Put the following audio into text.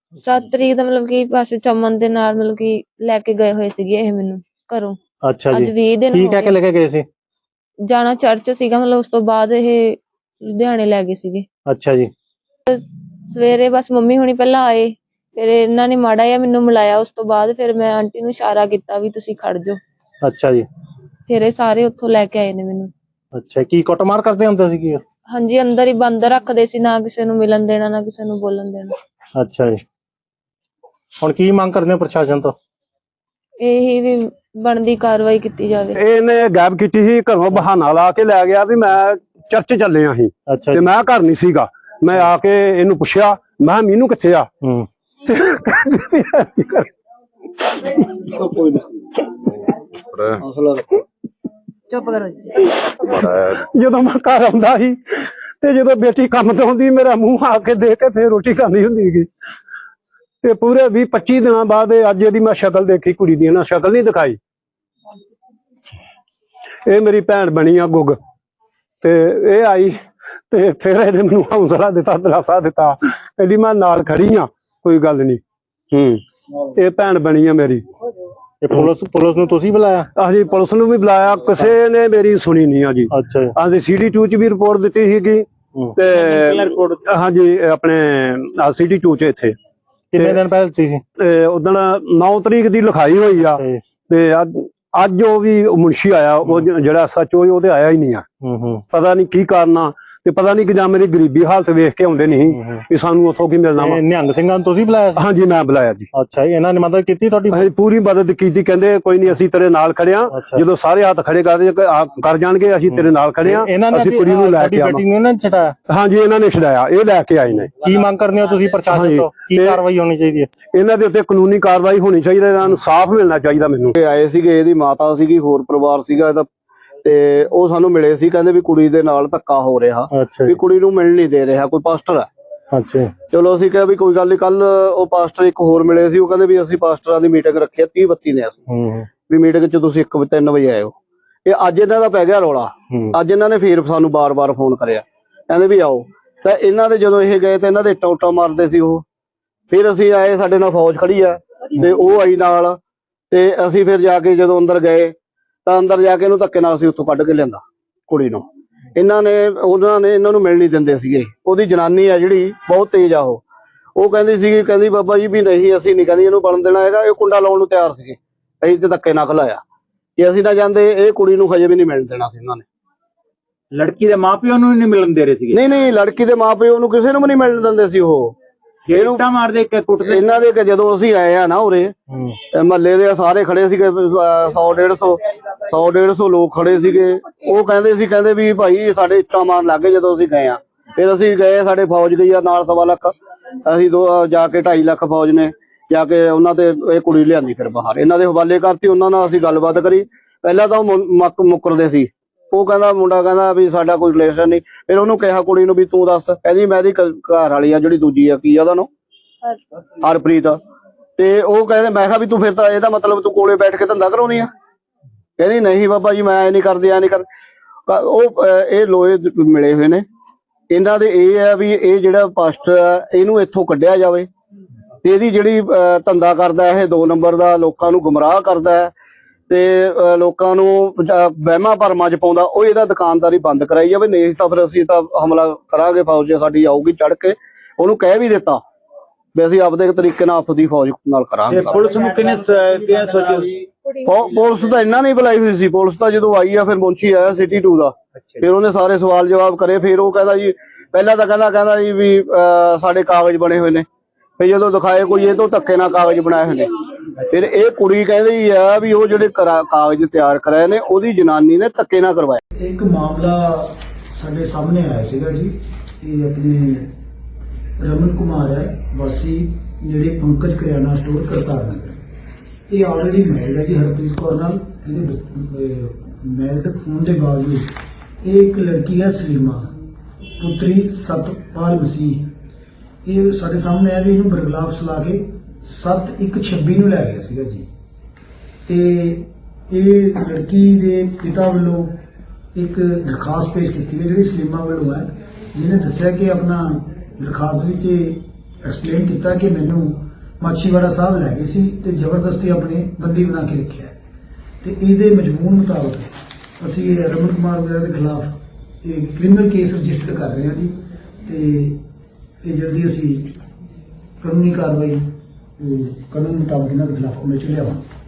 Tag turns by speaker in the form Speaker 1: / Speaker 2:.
Speaker 1: 7 ਤਰੀਕ ਦਾ ਮਤਲਬ ਕਿ ਬਸ ਚਮਨ ਦੇ ਨਾਲ ਮਤਲਬ ਕਿ ਲੈ ਕੇ ਗਏ ਹੋਏ ਸੀਗੇ ਇਹ ਮੈਨੂੰ ਘਰੋਂ।
Speaker 2: ਅੱਛਾ ਜੀ,
Speaker 1: ਅੱਜ 20 ਦਿਨ
Speaker 2: ਕੀ
Speaker 1: ਹੋ
Speaker 2: ਕਹਿ ਕੇ
Speaker 1: ਗਏ।
Speaker 2: ਲੈ ਕੇ ਗਏ ਸੀ?
Speaker 1: ਜਾਣਾ ਚਰਚ ਸੀਗਾ, ਮਤਲਬ ਉਸ ਤੋਂ ਬਾਅਦ ਇਹ ਲੁਧਿਆਣੇ ਲੈ ਗਏ ਸੀਗੇ।
Speaker 2: ਅੱਛਾ ਜੀ।
Speaker 1: ਸਵੇਰੇ ਬਸ ਮੰਮੀ ਹੁਣੀ ਪਹਿਲਾਂ ਆਏ, ਫਿਰ ਇਹਨਾਂ ਨੇ ਮਾੜਾ ਜਿਹਾ ਮੈਨੂੰ ਮਿਲਾਇਆ, ਉਸ ਤੋਂ ਬਾਅਦ ਫਿਰ ਮੈਂ ਆਂਟੀ ਨੂੰ ਇਸ਼ਾਰਾ ਕੀਤਾ ਵੀ ਤੁਸੀਂ ਖੜ ਜਾਓ।
Speaker 2: ਅੱਛਾ ਜੀ।
Speaker 1: ਫਿਰ ਇਹ ਸਾਰੇ ਉੱਥੋਂ ਲੈ ਕੇ ਆਏ ਨੇ ਮੈਨੂੰ।
Speaker 2: ਅੱਛਾ, ਕੀ ਕੁੱਟਮਾਰ ਕਰਦੇ ਹੁੰਦੇ ਸੀ ਕੀ?
Speaker 1: ਹਾਂਜੀ, ਅੰਦਰ ਹੀ ਬੰਦ ਰੱਖਦੇ ਸੀ, ਨਾ ਕਿਸੇ ਨੂੰ ਮਿਲਣ ਦੇਣਾ ਨਾ ਕਿਸੇ ਨੂੰ ਬੋਲਣ ਦੇਣਾ।
Speaker 2: ਅੱਛਾ ਜੀ, ਹੁਣ ਕੀ ਮੰਗ ਕਰਦੇ ਹੋ ਪ੍ਰਸ਼ਾਸਨ ਤੋਂ?
Speaker 1: ਇਹੀ ਵੀ ਬਣਦੀ ਕਾਰਵਾਈ ਕੀਤੀ ਜਾਵੇ।
Speaker 3: ਇਹਨੇ ਗਾਇਬ ਕੀਤੀ ਸੀ ਘਰੋਂ, ਬਹਾਨਾ ਲਾ ਕੇ ਲੈ ਗਿਆ ਵੀ ਮੈਂ ਚਰਚ ਚੱਲੇ ਆ ਸੀ ਤੇ ਮੈਂ ਘਰ ਨਹੀਂ ਸੀਗਾ। ਮੈਂ ਆ ਕੇ ਇਹਨੂੰ ਪੁੱਛਿਆ, ਮੈਂ ਕਿਹਾ ਮੀਨੂ ਕਿੱਥੇ ਆ?
Speaker 1: ਚੁੱਪ ਕਰੋ।
Speaker 3: ਜਦੋਂ ਮੈਂ ਘਰ ਆਉਂਦਾ ਸੀ ਤੇ ਜਦੋਂ ਬੇਟੀ ਕੰਮ ਤੋਂ ਆਉਂਦੀ, ਮੇਰਾ ਮੂੰਹ ਆ ਕੇ ਦੇਖ ਕੇ ਫੇਰ ਰੋਟੀ ਖਾਂਦੀ ਹੁੰਦੀ ਸੀ। ਤੇ ਪੂਰੇ 20-25 ਦਿਨਾਂ ਬਾਅਦ ਅੱਜ ਇਹਦੀ ਮੈਂ ਸ਼ਕਲ ਦੇਖੀ ਕੁੜੀ ਦੀ, ਨਾ ਸ਼ਕਲ ਨਹੀਂ ਦਿਖਾਈ। ਇਹ ਮੇਰੀ ਭੈਣ ਬਣੀ ਆ ਗੁੱਗ, ਤੇ ਇਹ ਆਈ ਤੇ ਫਿਰ ਇਹਨੇ ਮੈਨੂੰ ਹੌਸਲਾ ਦਿੱਤਾ, ਦਿਲਾਸਾ ਦਿੱਤਾ, ਕਹਿੰਦੀ ਮੈਂ ਨਾਲ ਖੜੀ ਆ, ਕੋਈ ਗੱਲ ਨਹੀਂ। ਇਹ ਭੈਣ ਬਣੀ ਆ ਮੇਰੀ।
Speaker 2: ਪੁਲਿਸ ਨੂੰ ਤੁਸੀਂ ਬੁਲਾਇਆ?
Speaker 3: ਹਾਂਜੀ, ਪੁਲਿਸ ਨੂੰ ਵੀ ਬੁਲਾਇਆ, ਕਿਸੇ ਨੇ ਮੇਰੀ ਸੁਣੀ ਨਹੀਂ ਆ ਜੀ।
Speaker 2: ਅੱਛਾ ਜੀ।
Speaker 3: ਹਾਂਜੀ, CD2 ਚ ਵੀ ਰਿਪੋਰਟ ਦਿੱਤੀ ਸੀਗੀ ਤੇ ਹਾਂਜੀ ਆਪਣੇ CD2 ਚ ਇੱਥੇ।
Speaker 2: ਕਿੰਨੇ ਦਿਨ ਪਹਿਲਾਂ ਦਿੱਤੀ ਸੀ?
Speaker 3: ਉਦਣ 9 ਤਰੀਕ ਦੀ ਲਿਖਾਈ ਹੋਈ ਆ ਤੇ ਅੱਜ ਉਹ ਵੀ ਮੁਨਸ਼ੀ ਆਇਆ, ਉਹ ਜਿਹੜਾ SHO ਉਹ ਤੇ ਆਇਆ ਹੀ ਨਹੀਂ ਆ। ਪਤਾ ਨਹੀਂ ਕੀ ਕਾਰਨ ਆ, ਤੇ ਪਤਾ ਨਹੀਂ ਕਿ ਜਾਂ ਮੇਰੀ ਗਰੀਬੀ ਹਾਲਤ ਵੇਖ ਕੇ ਆਉਂਦੇ ਨਹੀਂ ਵੀ ਸਾਨੂੰ ਉੱਥੋਂ ਕੀ ਮਿਲਣਾ ਵਾ।
Speaker 2: ਨਿਹੰਗ ਸਿੰਘਾਂ ਨੂੰ ਤੁਸੀਂ ਬੁਲਾਇਆ?
Speaker 3: ਹਾਂਜੀ, ਮੈਂ ਬੁਲਾਇਆ ਜੀ।
Speaker 2: ਅੱਛਾ ਜੀ, ਇਹਨਾਂ ਨੇ ਮਦਦ ਕੀਤੀ ਤੁਹਾਡੀ?
Speaker 3: ਪੂਰੀ ਮਦਦ ਕੀਤੀ, ਕਹਿੰਦੇ ਕੋਈ ਨਹੀਂ ਅਸੀਂ ਤੇਰੇ ਨਾਲ ਖੜੇ ਆ, ਜਦੋਂ ਸਾਰੇ ਹੱਥ ਖੜੇ ਕਰ ਜਾਣਗੇ ਅਸੀਂ ਤੇਰੇ ਨਾਲ ਖੜੇ ਆ, ਅਸੀਂ ਕੁੜੀ ਨੂੰ ਲੈ ਕੇ ਆਵਾਂਗੇ। ਹਾਂਜੀ, ਇਹਨਾਂ ਨੇ ਛਡਾਇਆ, ਇਹ ਲੈ ਕੇ ਆਏ ਨੇ।
Speaker 2: ਕੀ ਮੰਗ ਕਰਦੇ ਹੋ ਤੁਸੀਂ ਪ੍ਰਸ਼ਾਸਨ ਤੋਂ? ਕੀ ਕਾਰਵਾਈ ਹੋਣੀ ਚਾਹੀਦੀ ਹੈ?
Speaker 3: ਇਹਨਾਂ ਦੇ ਉੱਤੇ ਕਾਨੂੰਨੀ ਕਾਰਵਾਈ ਹੋਣੀ ਚਾਹੀਦੀ ਹੈ, ਇਹਨਾਂ ਨੂੰ ਇਨਸਾਫ ਮਿਲਣਾ ਚਾਹੀਦਾ। ਮੈਨੂੰ
Speaker 4: ਆਏ ਸੀਗੇ, ਇਹਦੀ ਮਾਤਾ ਸੀਗੀ, ਹੋਰ ਪਰਿਵਾਰ ਸੀਗਾ ਇਹਦਾ, ਤੇ ਉਹ ਸਾਨੂੰ ਮਿਲੇ ਸੀ, ਕਹਿੰਦੇ ਵੀ ਕੁੜੀ ਦੇ ਨਾਲ ਧੱਕਾ ਹੋ ਰਿਹਾ, ਵੀ ਕੁੜੀ ਨੂੰ ਮਿਲ ਨਹੀਂ ਦੇ ਰਿਹਾ ਕੋਈ ਪਾਸਟਰ ਹੈ।
Speaker 2: ਅੱਛਾ,
Speaker 4: ਚਲੋ ਅਸੀਂ ਕਿਹਾ ਵੀ ਕੋਈ ਗੱਲ ਨਹੀਂ। ਕੱਲ ਉਹ ਪਾਸਟਰ ਇੱਕ ਹੋਰ ਮਿਲੇ ਸੀ, ਉਹ ਕਹਿੰਦੇ ਵੀ ਅਸੀਂ ਪਾਸਟਰਾਂ ਦੀ ਮੀਟਿੰਗ ਰੱਖੀ 30-32 ਨੇ ਅਸੀਂ, ਵੀ ਮੀਟਿੰਗ 'ਚ ਤੁਸੀਂ 1-3 ਵਜੇ ਆਇਓ। ਇਹ ਅੱਜ ਇਹਨਾਂ ਦਾ ਪੈ ਗਿਆ ਰੌਲਾ। ਅੱਜ ਇਹਨਾਂ ਨੇ ਫੇਰ ਸਾਨੂੰ ਬਾਰ-ਬਾਰ ਫੋਨ ਕਰਿਆ, ਕਹਿੰਦੇ ਵੀ ਆਓ। ਤਾਂ ਇਹਨਾਂ ਦੇ ਜਦੋਂ ਇਹ ਗਏ ਤਾਂ ਇਹਨਾਂ ਦੇ ਇੱਟਾਂ ਉੱਟਾਂ ਮਾਰਦੇ ਸੀ ਉਹ। ਫਿਰ ਅਸੀਂ ਆਏ, ਸਾਡੇ ਨਾਲ ਫੌਜ ਖੜੀ ਆ ਤੇ ਉਹ ਆਈ ਨਾਲ, ਤੇ ਅਸੀਂ ਫਿਰ ਜਾ ਕੇ ਜਦੋਂ ਅੰਦਰ ਗਏ ਤਾਂ ਅੰਦਰ ਜਾ ਕੇ ਇਹਨੂੰ ਧੱਕੇ ਨਾਲ ਅਸੀਂ ਉੱਥੋਂ ਕੱਢ ਕੇ ਲਿਆਂਦਾ ਕੁੜੀ ਨੂੰ। ਉਹਨਾਂ ਨੇ ਇਹਨਾਂ ਨੂੰ ਮਿਲ ਨਹੀਂ ਦਿੰਦੇ ਸੀਗੇ। ਉਹਦੀ ਜਨਾਨੀ ਆ ਜਿਹੜੀ ਬਹੁਤ ਤੇਜ਼ ਆ, ਉਹ ਕਹਿੰਦੀ ਸੀਗੀ, ਕਹਿੰਦੀ ਬਾਬਾ ਜੀ ਵੀ ਨਹੀਂ ਅਸੀਂ ਨਹੀਂ ਕਹਿੰਦੀ ਇਹਨੂੰ ਬਣਨ ਦੇਣਾ ਹੈਗਾ। ਇਹ ਕੁੰਡਾ ਲਾਉਣ ਨੂੰ ਤਿਆਰ ਸੀਗੇ, ਅਸੀਂ ਤੇ ਧੱਕੇ ਨਾਲ ਖਲਾਇਆ ਕਿ ਅਸੀਂ ਨਾ ਜਾਂਦੇ, ਇਹ ਕੁੜੀ ਨੂੰ ਹਜੇ ਵੀ ਨਹੀਂ ਮਿਲਣ ਦੇਣਾ ਸੀ ਇਹਨਾਂ ਨੇ।
Speaker 5: ਲੜਕੀ ਦੇ ਮਾਪਿਓ ਨੂੰ ਨਹੀਂ ਮਿਲਣ ਦੇ ਰਹੇ ਸੀਗੇ?
Speaker 4: ਨਹੀਂ, ਲੜਕੀ ਦੇ ਮਾਪਿਓ ਨੂੰ ਕਿਸੇ ਨੂੰ ਵੀ ਨਹੀਂ ਮਿਲਣ ਦਿੰਦੇ ਸੀ। ਉਹ
Speaker 5: ਇੱਟਾਂ ਮਾਰਦੇ, ਕੁੱਟਦੇ
Speaker 4: ਇਹਨਾਂ ਦੇ। ਜਦੋਂ ਅਸੀਂ ਆਏ ਆ ਨਾ ਉਰੇ, ਮਹੱਲੇ ਦੇ ਸਾਰੇ ਖੜੇ ਸੀਗੇ, 100-150 ਲੋਕ ਖੜੇ ਸੀਗੇ। ਉਹ ਕਹਿੰਦੇ ਸੀ, ਕਹਿੰਦੇ ਵੀ ਭਾਈ ਸਾਡੇ ਇੱਟਾਂ ਮਾਰਨ ਲੱਗ ਗਏ। ਜਦੋਂ ਅਸੀਂ ਗਏ ਆ, ਫਿਰ ਅਸੀਂ ਗਏ, ਸਾਡੇ ਫੌਜ ਗਈ ਆ ਨਾਲ 1.25 ਲੱਖ, ਅਸੀਂ ਜਾ ਕੇ 2.5 ਲੱਖ ਫੌਜ ਨੇ ਜਾ ਕੇ ਉਹਨਾਂ ਤੇ ਇਹ ਕੁੜੀ ਲਿਆਂਦੀ, ਫਿਰ ਬਾਹਰ ਇਹਨਾਂ ਦੇ ਹਵਾਲੇ ਕਰਤੀ। ਉਹਨਾਂ ਨਾਲ ਅਸੀਂ ਗੱਲਬਾਤ ਕਰੀ, ਪਹਿਲਾਂ ਤਾਂ ਉਹ ਮੁੱਕਰਦੇ ਸੀ। ਉਹ ਕਹਿੰਦਾ, ਮੁੰਡਾ ਕਹਿੰਦਾ ਵੀ ਸਾਡਾ ਕੋਈ ਰਿਲੇਸ਼ਨ ਨਹੀਂ। ਫਿਰ ਉਹਨੂੰ ਕਿਹਾ ਕੁੜੀ ਨੂੰ ਵੀ ਤੂੰ ਦੱਸ, ਕਹਿੰਦੀ ਮੈਂ ਇਹਦੀ ਘਰ ਵਾਲੀ ਆ ਜਿਹੜੀ ਦੂਜੀ ਆ, ਕੀ ਆ ਉਹਦਾ ਨਾਮ, ਹਰਪ੍ਰੀਤ। ਤੇ ਉਹ ਕਹਿੰਦੇ, ਮੈਂ ਕਿਹਾ ਵੀ ਤੂੰ ਫਿਰ ਤਾਂ ਇਹਦਾ ਮਤਲਬ ਤੂੰ ਕੋਲੇ ਬੈਠ ਕੇ ਧੰਦਾ ਕਰਾਉਣੀ ਆ? ਕਹਿੰਦੀ ਨਹੀਂ ਬਾਬਾ ਜੀ ਮੈਂ ਨਹੀਂ ਕਰਦੀ, ਐ ਨਹੀਂ ਕਰ। ਉਹ ਇਹ ਲੋਏ ਮਿਲੇ ਹੋਏ ਨੇ ਇਹਨਾਂ ਦੇ। ਇਹ ਹੈ ਵੀ ਇਹ ਜਿਹੜਾ ਪਾਸਟਰ ਆ ਇਹਨੂੰ ਇੱਥੋਂ ਕੱਢਿਆ ਜਾਵੇ, ਤੇ ਇਹਦੀ ਜਿਹੜੀ ਧੰਦਾ ਕਰਦਾ ਇਹ 2 ਨੰਬਰ ਦਾ, ਲੋਕਾਂ ਨੂੰ ਗੁੰਮਰਾਹ ਕਰਦਾ ਹੈ ਤੇ ਲੋਕਾਂ ਨੂੰ ਵਹਿਮਾਂ ਭਰਮਾਂ 'ਚ ਪਾਉਂਦਾ, ਉਹ ਇਹਦਾ ਦੁਕਾਨਦਾਰੀ ਬੰਦ ਕਰਾਈ ਜਾਵੇ। ਨਹੀਂ ਤਾਂ ਫਿਰ ਅਸੀਂ ਤਾਂ ਹਮਲਾ ਕਰਾਂਗੇ, ਫੌਜ ਸਾਡੀ ਆਊਗੀ ਚੜ ਕੇ। ਉਹਨੂੰ ਕਹਿ ਵੀ ਦਿੱਤਾ ਵੀ ਅਸੀਂ ਆਪਦੇ ਤਰੀਕੇ ਨਾਲ ਆਪਦੀ ਫੌਜ ਨਾਲ ਕਰਾਂਗੇ।
Speaker 5: ਪੁਲਿਸ ਨੂੰ ਕਿਹਨੇ ਸੋਚਿਆ?
Speaker 4: ਪੁਲਿਸ ਤਾਂ ਇਹਨਾਂ ਨੇ ਬੁਲਾਈ ਹੋਈ ਸੀ। ਪੁਲਿਸ ਤਾਂ ਜਦੋਂ ਆਈ ਆ, ਫਿਰ ਮੁਨਸ਼ੀ ਆਇਆ CD2 ਦਾ, ਫਿਰ ਉਹਨੇ ਸਾਰੇ ਸਵਾਲ ਜਵਾਬ ਕਰੇ। ਫਿਰ ਉਹ ਕਹਿੰਦਾ ਜੀ, ਪਹਿਲਾਂ ਤਾਂ ਕਹਿੰਦਾ ਜੀ ਵੀ ਸਾਡੇ ਕਾਗਜ਼ ਬਣੇ ਹੋਏ ਨੇ। ਫਿਰ ਜਦੋਂ ਦਿਖਾਏ ਕੋਈ, ਇਹ ਤੋਂ ਧੱਕੇ ਨਾਲ ਕਾਗਜ਼ ਬਣਾਏ ਹੋਏ ਨੇ। ਫਿਰ ਇਹ ਕੁੜੀ ਕਹਿੰਦੀ ਆ ਵੀ ਉਹ ਜਿਹੜੇ ਕਾਗਜ਼ ਤਿਆਰ ਕਰਾਏ ਨੇ ਉਹਦੀ ਜਨਾਨੀ ਨੇ ਧੱਕੇ ਨਾਲ ਕਰਵਾਇਆ।
Speaker 6: ਇੱਕ ਮਾਮਲਾ ਸਾਡੇ ਸਾਹਮਣੇ ਆਇਆ ਸੀਗਾ ਜੀ। ਇਹ ਆਪਣੇ ਰਮਨ ਕੁਮਾਰ ਹੈ, ਵਾਸੀ ਨੇੜੇ ਪੰਕਜ ਕਰਿਆਨਾ ਸਟੋਰ ਕਰਤਾਰ ਨਗਰ। ਇਹ ਆਲਰੇਡੀ ਮੈਰਿਡ ਹੈ ਜੀ ਹਰਪ੍ਰੀਤ ਕੌਰ ਨਾਲ। ਇਹਦੇ ਮੈਰਿਡ ਹੋਣ ਦੇ ਬਾਵਜੂਦ ਇਹ ਇੱਕ ਲੜਕੀ ਹੈ ਸਲੀਮਾ, ਪੁੱਤਰੀ ਸਤਪਾਲ ਮਸੀਹ। ਇਹ ਸਾਡੇ ਸਾਹਮਣੇ ਆ ਵੀ ਇਹਨੂੰ ਬਰਗਲਾਫ ਲਾ ਕੇ 7/1/26 ਨੂੰ ਲੈ ਗਿਆ ਸੀਗਾ ਜੀ। ਤੇ ਇਹ ਲੜਕੀ ਦੇ ਪਿਤਾ ਵੱਲੋਂ ਇੱਕ ਦਰਖਾਸਤ ਪੇਸ਼ ਕੀਤੀ ਹੈ ਜਿਹੜੀ ਸਲੀਮਾ ਵੱਲੋਂ ਹੈ, ਜਿਹਨੇ ਦੱਸਿਆ ਕਿ ਆਪਣਾ ਦਰਖਾਸਤ ਵਿੱਚ ਐਕਸਪਲੇਨ ਕੀਤਾ ਕਿ ਮੈਨੂੰ ਮਾਛੀਵਾੜਾ ਸਾਹਿਬ ਲੈ ਗਏ ਸੀ ਤੇ ਜ਼ਬਰਦਸਤੀ ਆਪਣੇ ਬੰਦੀ ਬਣਾ ਕੇ ਰੱਖਿਆ ਤੇ ਇਹਦੇ ਮਜ਼ਮੂਨ ਮੁਤਾਬਕ ਅਸੀਂ ਰਮਨ ਕੁਮਾਰ ਵਗੈਰਾ ਦੇ ਖਿਲਾਫ ਇਹ ਕ੍ਰਿਮੀਨਲ ਕੇਸ ਰਜਿਸਟਰ ਕਰ ਰਹੇ ਹਾਂ ਜੀ ਤੇ ਇਹ ਜਲਦੀ ਅਸੀਂ ਕਾਨੂੰਨੀ ਕਾਰਵਾਈ ਕਾਨੂੰਨ ਮੁਤਾਬਕ ਇਹਨਾਂ ਦੇ ਖਿਲਾਫ ਅਮਲ ਚ ਲਿਆਵਾਂਗੇ।